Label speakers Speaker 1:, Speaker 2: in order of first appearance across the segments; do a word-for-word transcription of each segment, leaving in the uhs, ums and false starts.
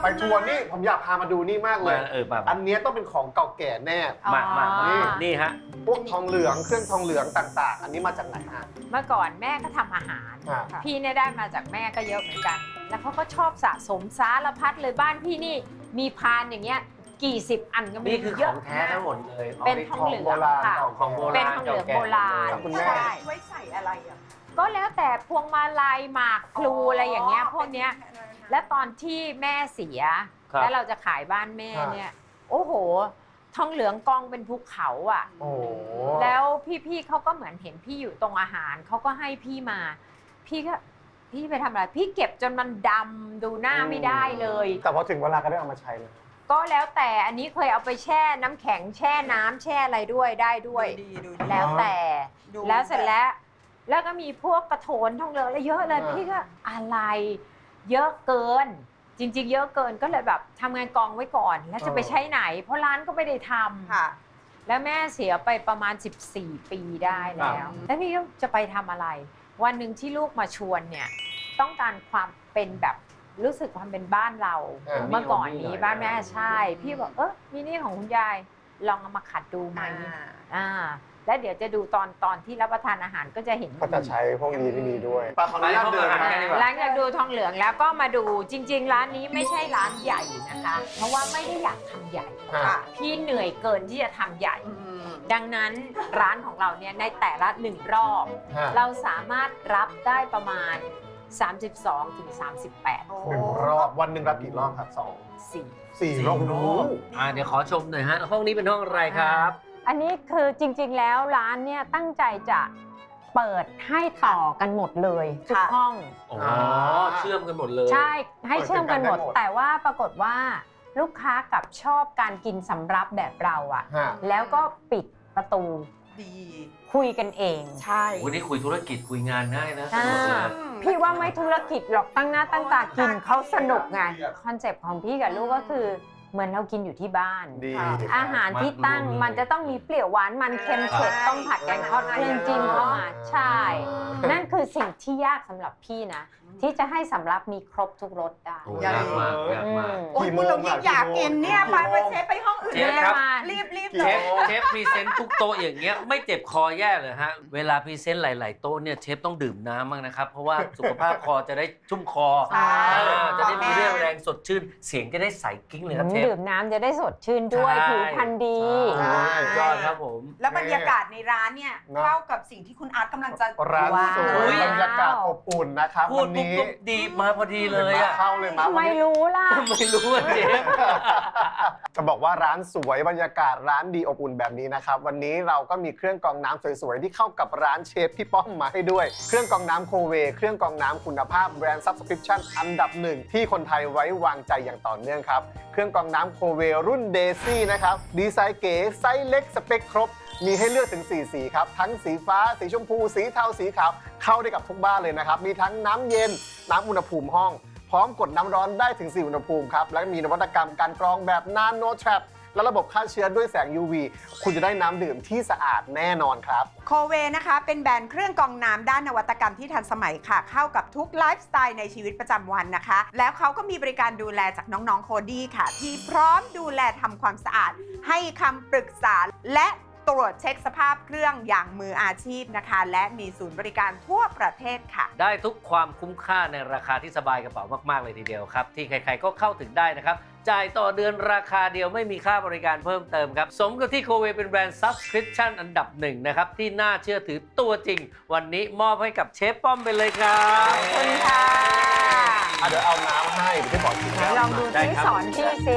Speaker 1: ไปทัวร์นี่ผมอยากพามาดูนี่มากเลย
Speaker 2: เออแบบ
Speaker 1: อันนี้ต้องเป็นของเก่าแก่แน่
Speaker 2: มามานี่นี่ฮะ
Speaker 1: พวกทองเหลืองเครื่องทองเหลืองต่างๆอันนี้มาจากไหนฮะ
Speaker 3: เมื่อก่อนแม่ก็ทำอาหารพี่เนี่ยได้มาจากแม่ก็เยอะเหมือนกันแล้วเขาก็ชอบสะสมสารพัดเลยบ้านพี่นี่มีพานอย่างเงี้ยกี่สิบอันก็ไม่
Speaker 2: นี่คือของแท้ทั้งหมดเลย
Speaker 3: เป็นทองเหลืองค่ะเป็นทองเหลืองโบราณ
Speaker 1: ใช่
Speaker 4: ไว้ใส่อะไรอ่ะ
Speaker 3: ก็แล้วแต่พวงมาลัยหมากพลูอะไรอย่างเงี้ยพวกเนี้ยและตอนที่แม่เสียแล้วเราจะขายบ้านแม่เนี่ยโอ้โหทองเหลืองกองเป็นภูเขาอ่ะแล้วพี่ๆเขาก็เหมือนเห็นพี่อยู่ตรงอาหารเขาก็ให้พี่มาพี่ก็พี่ไปทำอะไรพี่เก็บจนมันดำดูหน้าไม่ได้เลย
Speaker 1: แต่พอถึงเวลาก็ได้เอามาใช้เลย
Speaker 3: ก็แล้วแต่อันนี้เคยเอาไปแช่น้ำแข็งแช่น้ำแช่อะไรด้วยได้ด้วยแล้วแต่แล้วเสร็จแล้วแล้วก็มีพวกกระโถนทองเหลืองอะไรเยอะเลยพี่ก็อะไรเยอะเกินจริงๆเยอะเกินก็เลยแบบทำงานกองไว้ก่อนแล้วจะไปใช้ไหนเพราะร้านก็ไม่ได้ทำแล้วแม่เสียไปประมาณสิบสี่ปีได้แล้วแล้วพี่ก็จะไปทำอะไรวันหนึ่งที่ลูกมาชวนเนี่ยต้องการความเป็นแบบรู้สึกความเป็นบ้านเราเมื่อก่อนนี้บ้านแม่ใช่พี่บอกเออมีนี่ของคุณยายลองเอามาขัดดูไหมอ่าแล้วเดี๋ยวจะดูตอนตอนที่รับประทานอาหารก็จะเห็น
Speaker 1: ก็จะใช้พวกนี้ที่มีด้วยปลาขออนุญาตเดิน
Speaker 3: ร้านอยากดูทองเหลืองแล้วก็มาดูจริงๆร้านนี้ไม่ใช่ร้านใหญ่นะคะเพราะว่าไม่ได้อยากทำใหญ่พี่เหนื่อยเกินที่จะทำใหญ่ดังนั้นร้านของเราเนี่ยในแต่ละหนึ่งรอบเราสามารถรับได้ประมาณสามสิบสองถึงสามสิบแปด
Speaker 1: หนึ่งรอบวันหนึ่งรับกี่รอบครับสอง
Speaker 3: สี่
Speaker 1: สี่รอบ
Speaker 2: อ่าเดี๋ยวขอชมหน่อยฮะห้องนี้เป็นห้องอะไรครับ
Speaker 3: อันนี้คือจริงๆแล้วร้านเนี่ยตั้งใจจะเปิดให้ต่อกันหมดเลยทุกห้อง
Speaker 2: อ๋อเชื่อมกันหมดเลย
Speaker 3: ใช่ให้เชื่อมกันหมดแต่ว่าปรากฏว่าลูกค้ากับชอบการกินสำรับแบบเราอะแล้วก็ปิดประตู
Speaker 4: ดี
Speaker 3: คุยกันเอง
Speaker 4: ใช่
Speaker 2: วันนี้คุยธุรกิจคุยงานง่ายนะ
Speaker 3: พี่ว่าไม่ธุรกิจหรอกตั้งหน้าตั้งตากินเขาสนุกไงคอนเซปต์ของพี่กับลูกก็คือเหมือนเรากินอยู่ที่บ้านอาหารที่ตั้งมันจะต้องมีเปรี้ยวหวานมันเค็มเผ็ดต้องผัดแกงทอดเครื่องจิ้มเข้ามาใช่นั่นคือสิ่งที่ยากสำหรับพี่นะที่จะให้สำรับมีครบทุกรสได้
Speaker 2: ยากมากยากมาก
Speaker 4: โอ้ยคุณเรายิ่งอยากกินเนี่ยไปไปเชฟไปห้องอื่นเลยรีบรีบ
Speaker 2: เชฟเชฟพรีเซนต์ทุกโต๊ะอย่างเงี้ยไม่เจ็บคอแย่เลยฮะเวลาพรีเซนต์หลายๆโต๊ะเนี่ยเชฟต้องดื่มน้ำบ้างนะครับเพราะว่าสุขภาพคอจะได้ชุ่มคอจะได้มีเรี่ยวแรงสดชื่นเสียงจะได้ใสกิ้งเลยครับเชฟ
Speaker 3: ดื่มน้ำจะได้สดชื่นด้วยผิวพรรณดี
Speaker 2: ยอดครับผม
Speaker 4: แล้วบรรยากาศในร้านเนี่ยเข้ากับสิ่งที่คุณอาร์ตกำลังจะ
Speaker 1: ร้านสวยบรรยากาศอบอุ่นนะครับ
Speaker 2: วันนี้ดีมาพอดีเลยอ่ะ
Speaker 1: เข้าเลยมา
Speaker 3: ไม่รู้ล่ะ
Speaker 2: ไม่รู้เชฟ
Speaker 1: จะบอกว่าร้านสวยบรรยากาศร้านดีอบอุ่นแบบนี้นะครับวันนี้เราก็มีเครื่องกรองน้ำสวยๆที่เข้ากับร้านเชฟพี่ป้อมมาให้ด้วยเครื่องกรองน้ำโคเวเครื่องกรองน้ำคุณภาพแบรนด์ Subscription อันดับหนึ่งที่คนไทยไว้วางใจอย่างต่อเนื่องครับเครื่องกรองน้ำโคเวรุ่นเดซี่นะครับดีไซน์เก๋ไซส์เล็กสเปคครบมีให้เลือกถึงสี่สีครับทั้งสีฟ้าสีชมพูสีเทาสีขาวเข้าได้กับทุกบ้านเลยนะครับมีทั้งน้ำเย็นน้ำอุณหภูมิห้องพร้อมกดน้ำร้อนได้ถึงสี่อุณหภูมิครับและมีนวัตกรรมการกรองแบบนาโนแทรปและระบบฆ่าเชื้อด้วยแสง ยู วี คุณจะได้น้ำดื่มที่สะอาดแน่นอนครับ
Speaker 4: โคเวนะคะเป็นแบรนด์เครื่องกรองน้ำด้านนวัตกรรมที่ทันสมัยค่ะเข้ากับทุกไลฟ์สไตล์ในชีวิตประจำวันนะคะแล้วเขาก็มีบริการดูแลจากน้องๆโคดี้ค่ะที่พร้อมดูแลทำความสะอาดให้คำปรึกษาและตรวจเช็คสภาพเครื่องอย่างมืออาชีพนะคะและมีศูนย์บริการทั่วประเทศค่ะ
Speaker 2: ได้ทุกความคุ้มค่าในราคาที่สบายกระเป๋ามากๆเลยทีเดียวครับที่ใครๆก็เข้าถึงได้นะครับจ่ายต่อเดือนราคาเดียวไม่มีค่าบริการเพิ่มเติมครับสมกับที่โคเวเป็นแบรนด์ Subscription อันดับหนึ่งนะครับที่น่าเชื่อถือตัวจริงวันนี้มอบให้กับเชฟป้อมไปเลยครับ
Speaker 3: ขอบคุณค่ะ
Speaker 1: เดี๋ยวเอาน้ำให้เดี๋ยวพี่บอกที
Speaker 3: ลองดูที่สอนพี่ซิ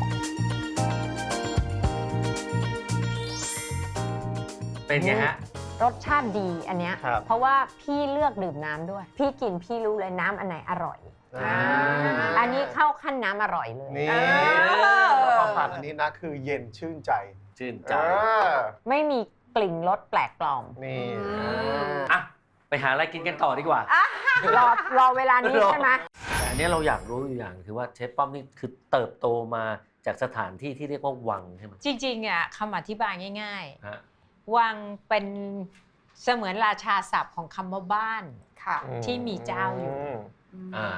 Speaker 2: เป็นไงฮะ
Speaker 3: รสชาติดีอันเนี้ยเพราะว่าพี่เลือกดื่มน้ำด้วยพี่กินพี่รู้เลยน้ำอันไหนอร่อยอันนี้เข้าขั้นน้ำอร่อยเลย
Speaker 1: นี่ความผ่านอันนี้นะคือเย็นชื่นใจ
Speaker 2: ชื่นใจ
Speaker 3: ไม่มีกลิ่นรสแปลกปลอม
Speaker 1: นี่
Speaker 2: อ่ะไปหาอะไรกินกันต่อดีกว่
Speaker 3: ารอรอเวลานี้ใช่ไหม
Speaker 2: แต่อันนี้เราอยากรู้อยู่อย่างคือว่าเชฟป้อมนี่คือเติบโตมาจากสถานที่ที่เรียกว่าวังใช่ไหม
Speaker 3: จริงๆอ่ะคำอธิบายง่ายๆวังเป็นเสมือนราชาศัพท์ของคำว่าบ้านที่มีเจ้าอยู่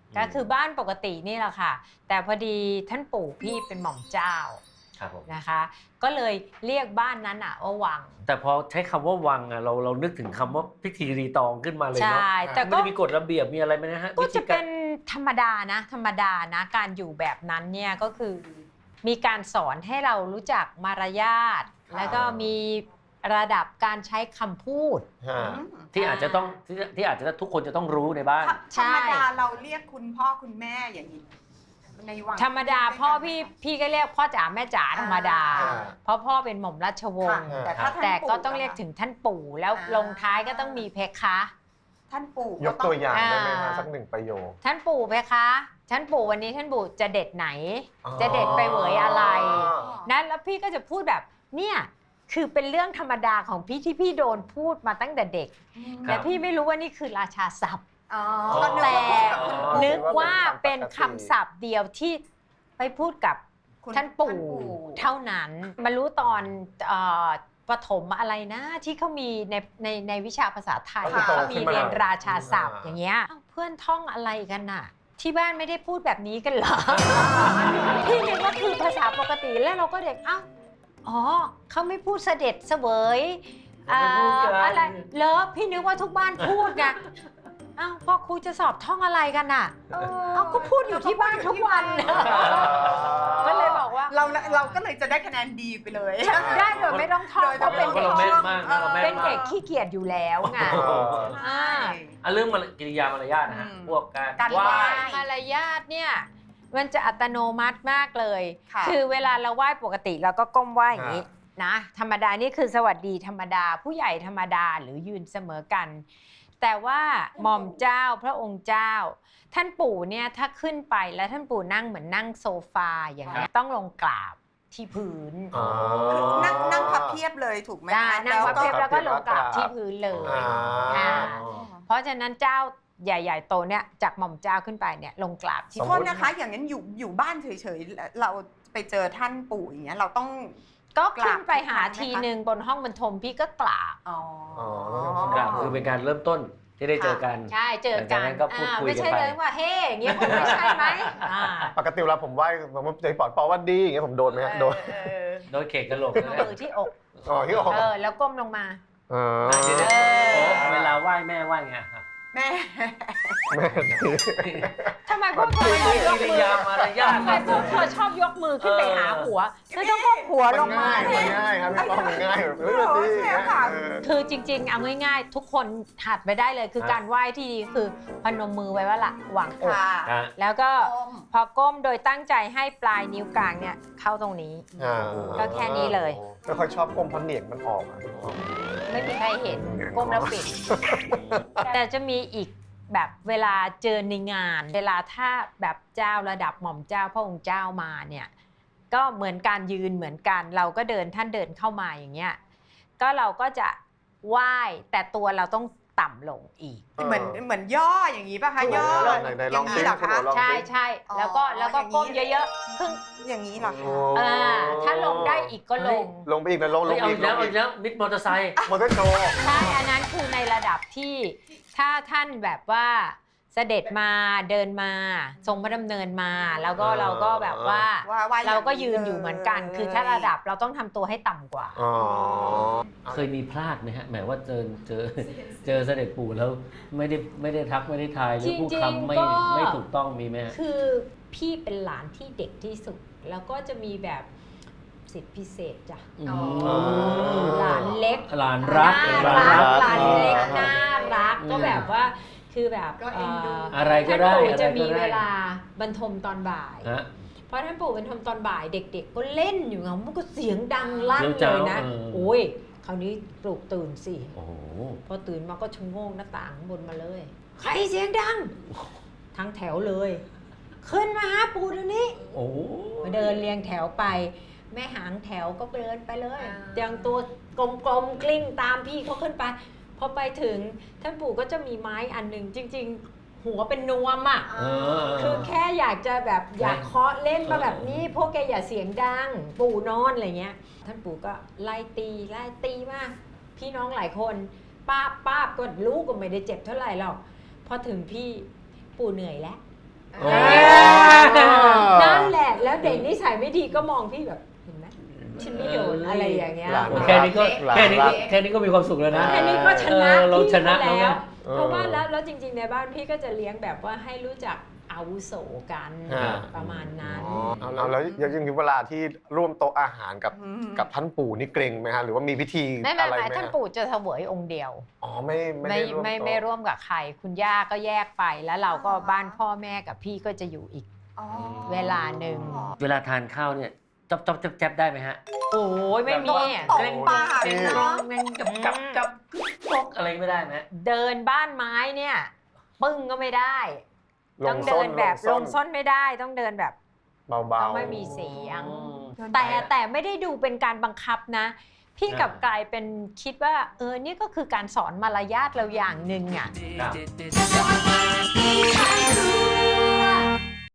Speaker 3: ก็คือบ้านปกตินี่แหละค่ะ แต่พอดีท่านปู่พี่เป็นหม่อมเจ้า
Speaker 2: ครับผม
Speaker 3: นะคะ ก็เลยเรียกบ้านนั้นอะว่าวัง
Speaker 2: แต่พอใช้คำว่าวังอะเราเรานึกถึงคำว่าพิธีรีตองขึ้นมาเลย
Speaker 3: ใช่
Speaker 2: เนาะ
Speaker 3: แต่
Speaker 2: มัน
Speaker 3: ก็
Speaker 2: จะมีกฎระเบียบมีอะไรไหมนะฮะ
Speaker 3: ก็
Speaker 2: วิธี
Speaker 3: จะ
Speaker 2: กา
Speaker 3: เป็
Speaker 2: ร
Speaker 3: นธรรมดานะ ธรรมดานะการอยู่แบบนั้นเนี่ยก็คือมีการสอนให้เรารู้จักมารยาท
Speaker 4: ค่ะ
Speaker 3: แล้วก็มีระดับการใช้คำพูด
Speaker 1: ฮะ
Speaker 2: ที่อาจจะต้องที่ที่อาจจะทุกคนจะต้องรู้ในบ้าน
Speaker 3: ใช่
Speaker 4: ธรรมดาเราเรียกคุณพ่อคุณแม่อย่างนี้ในวัง
Speaker 3: ธรรมดาพ่อพี่พี่ก็เรียกพ่อจ๋าแม่จ๋าธรรมดา
Speaker 1: อ่า
Speaker 3: เพราะพ่อเป็นหม่อมราชวง
Speaker 4: ค่ะ
Speaker 3: ศ์
Speaker 4: แต่ถ้าท่าน
Speaker 3: แต่ก็
Speaker 4: ปู่
Speaker 3: ต้องเรียก
Speaker 4: ล่ะ
Speaker 3: ถึงท่านปู่แล้ว
Speaker 4: อ่า
Speaker 3: ลงท้ายก็ต้องมีเพคะ
Speaker 4: ท่านปู่
Speaker 1: ยกตัวอย่างได้ไหม
Speaker 3: อ่า
Speaker 1: ฮะสักหนึ่งประโยค
Speaker 3: ท่านปู่เพคะ ท่านปู่วันนี้ท่านปู่จะเด็ดไหน
Speaker 1: อ๋อ
Speaker 3: จะเด็ดไปเหวยอะไรนั้นแล้วพี่ก็จะพูดแบบเนี่ยคือเป็นเรื่องธรรมดาของพี่ที่พี่โดนพูดมาตั้งแต่เด็ก
Speaker 2: ครั
Speaker 3: แต่
Speaker 2: บ
Speaker 3: พี่ไม่รู้ว่านี่คือราชาศัพท์
Speaker 4: อ๋อ
Speaker 3: แต่
Speaker 4: ก็นึกว่าพูดกับคุณปู่
Speaker 3: นึกว่าเป็นคำศัพท์เดียวที่ไปพูดกับ
Speaker 4: คุณ
Speaker 3: ท่านปู่เท่านั้นมารู้ตอนเอ่อประถมอะไรนะที่เขามีในในในวิชาภาษาไทย
Speaker 1: ค่ะ
Speaker 3: เขามีเรียนราชาศัพท์
Speaker 1: อ่า
Speaker 3: อย่างเงี้ยอ้าวเพื่อนท่องอะไรกันน่ะ ที่บ้านไม่ได้พูดแบบนี้กันเหรอ พี่นึกว่าคือภาษาปกติแล้วเราก็เด็กอ้าวอ๋อเขาไม่พูดเสด็จเสวยอ่า
Speaker 2: ไม่พูดกัน
Speaker 3: อะไรเลอพี่นึกว่าทุกบ้านพูดไงอ้าวพอครูจะสอบท่องอะไรกันน่ะ
Speaker 4: เออ
Speaker 3: เอาก็พูดอยู่ที่บ้านทุกวัน ก็เลยบอกว่า
Speaker 4: เราเราก็เลยจะได้คะแนนดีไปเลย
Speaker 3: ได้โดยไม่ต้องท่อง
Speaker 4: โดย
Speaker 3: เพราะเป็น
Speaker 2: เพราะ
Speaker 3: เด็ก
Speaker 2: เราแม่นมากนะเราแม่
Speaker 3: เป็น
Speaker 2: นมา
Speaker 3: เด็
Speaker 2: ก
Speaker 3: กขี้เกียจอยู่แล้วไง
Speaker 1: เออ
Speaker 3: อ่า
Speaker 2: อ่ะเรื่องมารกิริยามารยาทนะฮะ
Speaker 4: อืม
Speaker 2: พวกการ
Speaker 4: การ
Speaker 2: ไหว้
Speaker 4: ไหว้
Speaker 3: มารยาทเนี่ยมันจะอัตโนมัติมากเลย
Speaker 4: ค่ะ
Speaker 3: คือเวลาเราไหว้ปกติเราก็ก้มไหว้อย่างนี้นะธรรมดานี่คือสวัสดีธรรมดา ผู้ใหญ่ธรรมดาหรือยืนเสมอกัน แต่ว่าหม่อมเจ้าพระองค์เจ้า ท่านปู่เนี่ยถ้าขึ้นไปแล้วท่านปู่นั่งเหมือนนั่งโซฟาอย่างนี้ยต้องลงกราบที่พื้น
Speaker 1: อ๋อ
Speaker 4: นั่งนั่งพับเพียบเลยถูกไหม
Speaker 3: ได้
Speaker 4: คะ
Speaker 3: นั่งพับเพียบแล้วก็ลงกราบที่พื้นเลย
Speaker 1: อ่า
Speaker 3: อ่า เพราะฉะนั้นเจ้าใหญ่ ๆ โตเนี่ยจากหม่อมเจ้าขึ้นไปเนี่ยลงกราบที่
Speaker 4: โทษนะคะ อย่างนั้นอยู่อยู่บ้านเฉยๆ เราไปเจอท่านปู่อย่างเงี้ยเราต้อง
Speaker 3: ก็ขึ้นไปหา
Speaker 4: กราบทุกครั้งไหมคะ
Speaker 3: ทีหนึ่งบนห้องบรรทมพี่ก็กราบ
Speaker 4: อ๋อ
Speaker 2: กราบคือเป็นการเริ่มต้นที่ได้เจอกัน
Speaker 3: ใช่เจอ
Speaker 2: หลังจา
Speaker 3: กั
Speaker 2: ก
Speaker 3: น
Speaker 2: นั้นก็พูด
Speaker 3: อ่า
Speaker 2: คุย
Speaker 3: ไม่
Speaker 2: กัน
Speaker 3: ใช่
Speaker 2: ไป
Speaker 3: เลยว่าเฮ้อย่างเงี้ยคงไม่ใช่ไหมอ่า
Speaker 1: ปกติเวลาผมไหว้ผมใจปอดปอว่าดีอย่างเงี้ยผมโดนไหมฮะโดน
Speaker 4: เออ
Speaker 2: โดยเขกกระโหลกนะ
Speaker 3: มือที่อก
Speaker 1: อ๋อที่ออก
Speaker 3: เออแล้วก้มลงมา
Speaker 1: เออ
Speaker 2: อ่ะเดี๋ยว
Speaker 3: เอ
Speaker 2: ๆ
Speaker 3: อ
Speaker 2: โอ้เวลาไหว้แม่ไหว้ไงฮะ
Speaker 4: แม่
Speaker 1: แม่
Speaker 3: ทำไมพวกเธอชอบยก
Speaker 2: กิริ
Speaker 3: มือย
Speaker 2: ามารยาท
Speaker 3: ทำไมพวกเธอชอบยกมือขึ้นไปหาหัวเธอต้องก้มหัวล
Speaker 1: มัน
Speaker 3: งมา
Speaker 1: ง่ายมันง่ายครับพี่ป้อมมันง่ายแบบเฮ้ยมันดีอย่างเงี้ยเออ
Speaker 3: คือจริงๆเอาง่ายๆ ทุกคนหัดไปได้เลยคือการไหว้ที่ดีคือพนมมือไว้ว่าละหวังอก
Speaker 4: ค่ะ
Speaker 2: อ่ะ
Speaker 3: แล้วก็
Speaker 4: ก้ม
Speaker 3: พอก้มโดยตั้งใจให้ปลายนิ้วกลางเนี่ยเข้าตรงนี้
Speaker 1: อ่า
Speaker 3: ก็แค่นี้เลย
Speaker 1: ไม่ค่อยชอบก้มเพราะเหนียงมันออกอะพี่ป้อม
Speaker 3: ไม่มีใครเห็นก้มแล้วปิด แต่จะมีอีกแบบเวลาเจอในงาน เวลาถ้าแบบเจ้าระดับหม่อมเจ้าพระองค์เจ้ามาเนี่ยก็เหมือนการยืนเหมือนกัน เราก็เดินท่านเดินเข้ามาอย่างเงี้ยก็เราก็จะไหว้แต่ตัวเราต้องต่ำลงอีก
Speaker 4: เหมือนเหมือนย่ออย่างนี้ป่ะคะย่อ
Speaker 1: ไหนไหนลอง
Speaker 4: ย่า
Speaker 1: ซิ
Speaker 4: นี้เหรอ
Speaker 1: คุณ
Speaker 4: คะ
Speaker 1: หนูลอง
Speaker 3: ใช่
Speaker 1: ซิ
Speaker 3: ใช่
Speaker 4: อ๋อ
Speaker 3: แล้วก็แล้วก็
Speaker 4: อย่างนี้
Speaker 3: ก้มเยอะๆครึ่ง
Speaker 4: อย่างนี้เหรอ
Speaker 1: โอ้
Speaker 4: คะ
Speaker 3: อ่าถ้าลงได้อีกก็ลง
Speaker 1: ลงไปอีกนะลงล
Speaker 2: เฮ้ย
Speaker 1: ง
Speaker 2: เอา
Speaker 1: อี
Speaker 2: อี
Speaker 1: ก
Speaker 2: ก
Speaker 1: ล
Speaker 2: แล้ว
Speaker 1: ง
Speaker 2: เอา
Speaker 1: อี
Speaker 2: อี
Speaker 1: ก
Speaker 2: กแล้วมิดมอเตอร์ไซค์
Speaker 1: มอเตอร์โชว์
Speaker 3: ใช่อันนั้นคือในระดับที่ถ้าท่านแบบว่าเสด็จมาเดินมาทรงพระดำเนินมา แล้วก็เราก็แบบว่า
Speaker 4: ว่าว่า
Speaker 3: เราก็ยืนอยู่เหมือนกัน คือถ้าระดับเราต้องทำตัวให้ต่ำกว่า
Speaker 1: อ๋อ
Speaker 2: เคยมีพลาดไหมฮะหมายว่าเจอเจอเจอเสด็จปู่แล้วไม่ได้ไม่ได้ทักไม่ได้ทายหรือพูด
Speaker 3: จริงๆ
Speaker 2: คำไม่
Speaker 3: ก็
Speaker 2: ไม่ถูกต้องมีไหมฮะ
Speaker 3: คือพี่เป็นหลานที่เด็กที่สุด แล้วก็จะมีแบบสิทธิพิเศษจ้ะ
Speaker 2: อ๋อ
Speaker 3: หลานเล็ก
Speaker 2: หลานรัก
Speaker 3: น่า
Speaker 2: หลาน
Speaker 3: รัก
Speaker 2: รัก
Speaker 3: หลานเล็ก
Speaker 1: อ่า
Speaker 3: น่ารัก
Speaker 2: อืม
Speaker 3: ก็แบบว่าคือแบบ
Speaker 4: ก็เอ็นดู
Speaker 3: เอ่อ
Speaker 2: อะไรก็
Speaker 3: ท่าน
Speaker 2: ได้
Speaker 3: ปู่
Speaker 2: อะไร
Speaker 3: จะ
Speaker 2: ก็
Speaker 3: มี
Speaker 2: ได้
Speaker 3: เวลาบรรทมตอนบ่าย
Speaker 2: ฮะ
Speaker 3: เพราะท่านปู่บรรทมตอนบ่ายเด็กๆ ก็เล่นอยู่ไงมันก็เสียงดังลั่น
Speaker 2: เดี๋ยว
Speaker 3: เล
Speaker 2: เจ้าย
Speaker 3: นะ
Speaker 2: เออ
Speaker 3: โอ้ยคราวนี้ปลุกตื่นสิ
Speaker 2: โอ้โห
Speaker 3: พอตื่นมาก็ชะโงงหน้าต่างบนมาเลย ใครเสียงดัง ทั้งแถวเลย ขึ้นมาหาปู่เดี๋ยวนี้
Speaker 2: โอ้โห
Speaker 3: มาเดินเรียงแถวไป แม่หางแถวก็เดินไปเลย
Speaker 4: อ่า
Speaker 3: อย่างตัวกลมๆกลิ้งตามพี่เขาขึ้นไป พอไปถึงท่านปู่ก็จะมีไม้อันหนึ่งจริง ๆ หัวเป็นนวมอ่ะ
Speaker 2: เออ
Speaker 3: คือแค่อยากจะแบบอยากเคาะเล่นมาแบบนี้ พวกแกอย่าเสียงดัง ปู่นอนอะไรเงี้ย ท่านปู่ก็ไล่ตีไล่ตีมาก พี่น้องหลายคนป้าบป้าบก็รู้ก็ไม่ได้เจ็บเท่าไหร่หรอกพอถึงพี่ปู่เหนื่อยแล้ว
Speaker 2: โอ้
Speaker 3: นั่นแหละแล้วเด็กนิสัยไม่ดีก็มองพี่แบบเห็นไหมฉันไม่โดนอะไรอย่างเงี้ย
Speaker 1: หลาน
Speaker 2: แค่นี้ก็
Speaker 1: หลาน
Speaker 2: แค่นี้
Speaker 1: รั
Speaker 2: ก็
Speaker 1: ก
Speaker 2: แค่นี้ก็มีความสุขแล้วนะ
Speaker 3: แค่นี้ก็ชนะ
Speaker 2: เออเรา
Speaker 3: พี่
Speaker 2: ชนะ
Speaker 3: เขา
Speaker 2: แล้ว
Speaker 3: แล้ว
Speaker 2: นะ
Speaker 3: เพราะว่าแล้วแล้วจริง ๆ ในบ้านพี่ก็จะเลี้ยงแบบว่าให้รู้จักอาวุโสกัน
Speaker 2: อ่า
Speaker 3: ประมาณนั้น
Speaker 1: อ๋อเอาแล้วแล้วยังมีเวลาที่ร่วมโต๊ะอาหารกับ
Speaker 4: อืม
Speaker 1: กับท่านปู่นี่เกรงไหมฮะหรือว่ามีพิธี
Speaker 3: ไม่ไม่
Speaker 1: อะไร
Speaker 3: ไม่
Speaker 1: ไหม
Speaker 3: ท่าน
Speaker 1: ฮะ
Speaker 3: ปู่จะเสวยองค์เดียว
Speaker 1: อ๋อไม่ไม่
Speaker 3: ไม่
Speaker 1: ได้ร่วม
Speaker 3: ไม่
Speaker 1: โต๊ะ
Speaker 3: ไม่ร่วมกับใคร คุณย่าก็แยกไปแล้วเราก็บ้านพ่อแม่กับพี่ก็จะอยู่อีก
Speaker 4: อ๋อ
Speaker 3: เวลาหนึ่ง
Speaker 2: เวลาทานข้าวเนี่ยจ๊อบจ๊อบแจ๊บแจ๊บได้ไหมฮะ
Speaker 3: โอ้ยไม่มีอะ
Speaker 4: ตบปาก
Speaker 2: เกรง
Speaker 4: เนาะ
Speaker 2: แมงกับกับกับปกอะไรไม่ได้ไหม
Speaker 3: เดินบ้านไม้เนี่ยปึ้งก็ไม่ได้
Speaker 1: ล
Speaker 3: ต้อง ง
Speaker 1: ส้
Speaker 3: เดิ
Speaker 1: น
Speaker 3: นแบบ
Speaker 1: ล
Speaker 3: ล
Speaker 1: ง
Speaker 3: ง
Speaker 1: ส้
Speaker 3: ส้
Speaker 1: น
Speaker 3: นไม่ได้ต้องเดินแบบ
Speaker 1: เบา
Speaker 3: ต้อง
Speaker 1: ๆ
Speaker 3: ไม่มีเสียง
Speaker 2: อืม
Speaker 3: แต่แต่ไม่ได้ดูเป็นการบังคับนะ พี่กลับ
Speaker 2: อ่า
Speaker 3: กลายเป็นคิดว่าเออนี่ก็คือการสอนมารยาทเราอย่างหนึ่งอ่ะ
Speaker 2: ครับ